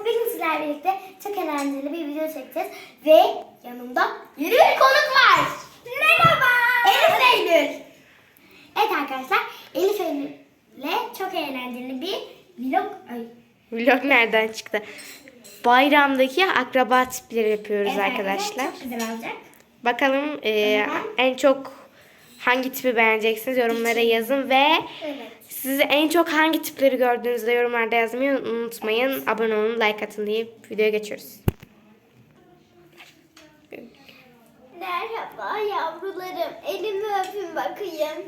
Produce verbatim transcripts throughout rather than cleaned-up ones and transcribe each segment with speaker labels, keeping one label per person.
Speaker 1: Bugün sizlerle birlikte çok eğlenceli bir video çekeceğiz. Ve yanımda yeni bir konuk var. Merhaba. Elif Eylül. Evet arkadaşlar, Elif Eylül'le çok eğlenceli bir vlog. Ay.
Speaker 2: Vlog nereden çıktı? Bayramdaki akraba tipleri yapıyoruz
Speaker 1: Evet
Speaker 2: arkadaşlar.
Speaker 1: Çok güzel olacak.
Speaker 2: Bakalım e, en çok hangi tipi beğeneceksiniz, yorumlara yazın ve
Speaker 1: Evet.
Speaker 2: sizi en çok hangi tipleri gördüğünüzde yorumlarda yazmayı unutmayın. Abone olun, like atın deyip videoya geçiyoruz.
Speaker 1: Merhaba yavrularım. Elimi öpün bakayım.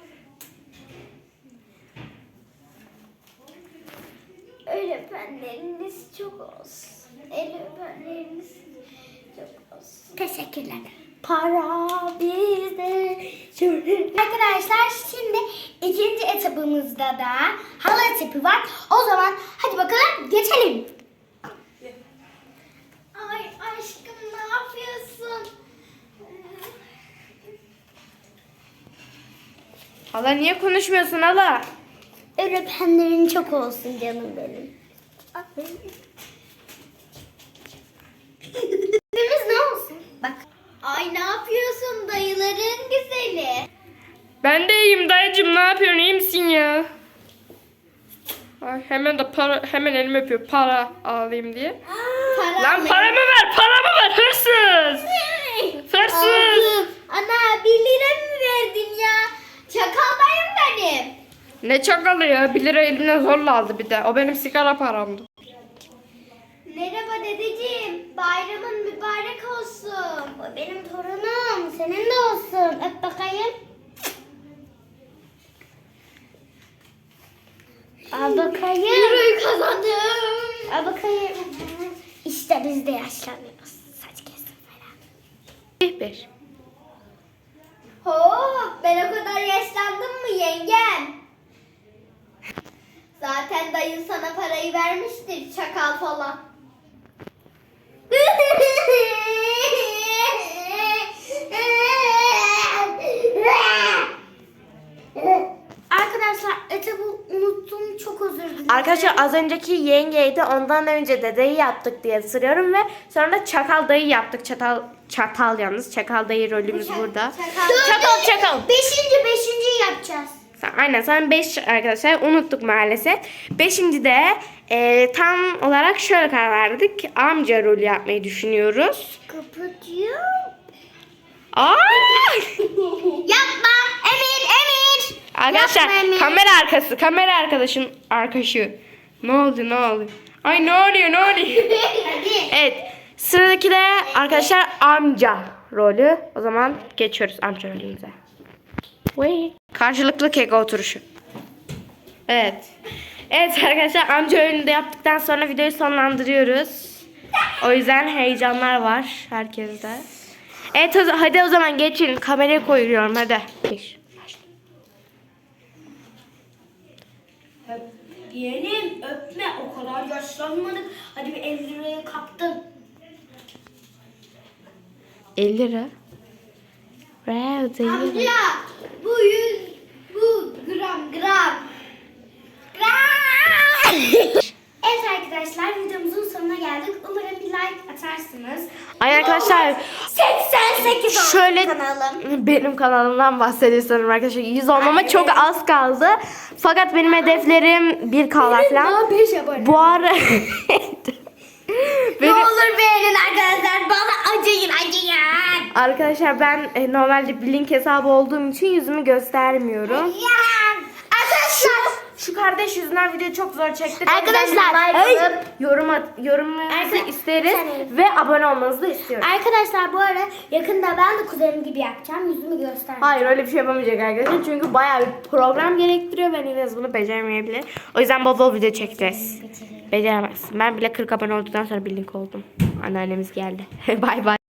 Speaker 1: El öpenleriniz çok olsun. El öpenleriniz çok olsun. Teşekkürler. Para bizde. Arkadaşlar şimdi ikinci etapımızda da hala tipi var. O zaman hadi bakalım geçelim. Ay aşkım ne yapıyorsun?
Speaker 2: Hala niye konuşmuyorsun hala?
Speaker 1: El öpenlerin çok olsun canım benim. Öpümüz ne olsun? Bak. Ay ne yapıyorsun dayıların güzeli?
Speaker 2: Ben de iyiyim dayıcım, ne yapıyorsun, iyi misin ya? Ay, hemen de para, hemen elimi öpüyor para alayım diye.
Speaker 1: Para
Speaker 2: Lan
Speaker 1: mı?
Speaker 2: paramı ver, paramı ver, hırsız! Hırsız!
Speaker 1: Aldım. Ana bir lira mı verdin ya? Çakal dayım benim.
Speaker 2: Ne çakalı ya, bir lira elimden zorla aldı bir de. O benim sigara paramdı.
Speaker 1: Merhaba dedeciğim. Bayramın mübarek olsun. O benim torunum. Senin de olsun. Öp bakayım. Al bakayım. Lirayı kazandım. Al bakayım. İşte biz de yaşlanıyoruz. Saç kesim falan.
Speaker 2: Bir.
Speaker 1: Hop, ben o kadar yaşlandım mı yengem? Zaten dayın sana parayı vermiştir çakal falan. Arkadaşlar etabı unuttum, çok özür dilerim.
Speaker 2: Arkadaşlar az önceki yengeydi, ondan önce dedeyi yaptık diye sırıyorum ve sonra da çakal dayı yaptık. Çatal çatal yalnız çakal dayı rolümüz burada.
Speaker 1: Çakal
Speaker 2: Çakal çakal.
Speaker 1: Beşinci, beşinciyi yapacağız.
Speaker 2: Aynen, sen beş arkadaşlar unuttuk maalesef. Beşinci de e, tam olarak şöyle karar verdik. Amca rolü yapmayı düşünüyoruz.
Speaker 1: Kapatıyor.
Speaker 2: Aa!
Speaker 1: Yapma Emir, Emir.
Speaker 2: Arkadaşlar
Speaker 1: Yapma Emir.
Speaker 2: kamera arkası, kamera arkadaşın arkadaşı. Ne oldu, ne oldu? Ay ne oluyor, ne oluyor?
Speaker 1: Hadi.
Speaker 2: Evet, sıradaki de arkadaşlar amca rolü. O zaman geçiyoruz amca rolümüze. Vay. Karşılıklı kek oturuşu. Evet. Evet arkadaşlar, amca rolünü de yaptıktan sonra videoyu sonlandırıyoruz. O yüzden heyecanlar var herkeste. Evet hadi o zaman geçin. Kamerayı koyuyorum hadi. Bir.
Speaker 1: Yeğenim öpme, o kadar yaşlanmadık. Hadi bir elli liraya kaptın.
Speaker 2: elli lira. Wow, değil.
Speaker 1: Amca bu yüz, bu gram gram. Gram. Evet arkadaşlar, videomuzun sonuna geldik. Umarım bir like atarsınız.
Speaker 2: Ay arkadaşlar,
Speaker 1: seksen sekiz oldu
Speaker 2: şöyle
Speaker 1: kanalım.
Speaker 2: benim kanalımdan bahsediyorsanız arkadaşlar, yüz olmama çok az kaldı. Fakat benim hedeflerim bir K falan.
Speaker 1: beş abone.
Speaker 2: Bu ara
Speaker 1: Ne olur beğenin arkadaşlar. Bana acıyın acıyın.
Speaker 2: arkadaşlar ben e, normalde bir link hesabı olduğum için yüzümü göstermiyorum.
Speaker 1: Ya. Arkadaşlar.
Speaker 2: Şu kardeş yüzünden video çok zor çektik.
Speaker 1: Arkadaşlar,
Speaker 2: like
Speaker 1: hey.
Speaker 2: atıp yorum at, yorumunuzu
Speaker 1: Arka-
Speaker 2: isteriz
Speaker 1: Sen-
Speaker 2: ve abone olmanızı da istiyoruz.
Speaker 1: Arkadaşlar bu ara yakında ben de kuzenim gibi yapacağım. Yüzümü göstermeyeceğim.
Speaker 2: Hayır, öyle bir şey yapamayacak arkadaşlar. Çünkü bayağı bir program gerektiriyor ve Nines bunu beceremeyebilir. O yüzden bol bol video çekeceğiz. Beceremezsin. Ben bile kırk abone olduktan sonra bir link oldum. Anneannemiz geldi. Bay bay.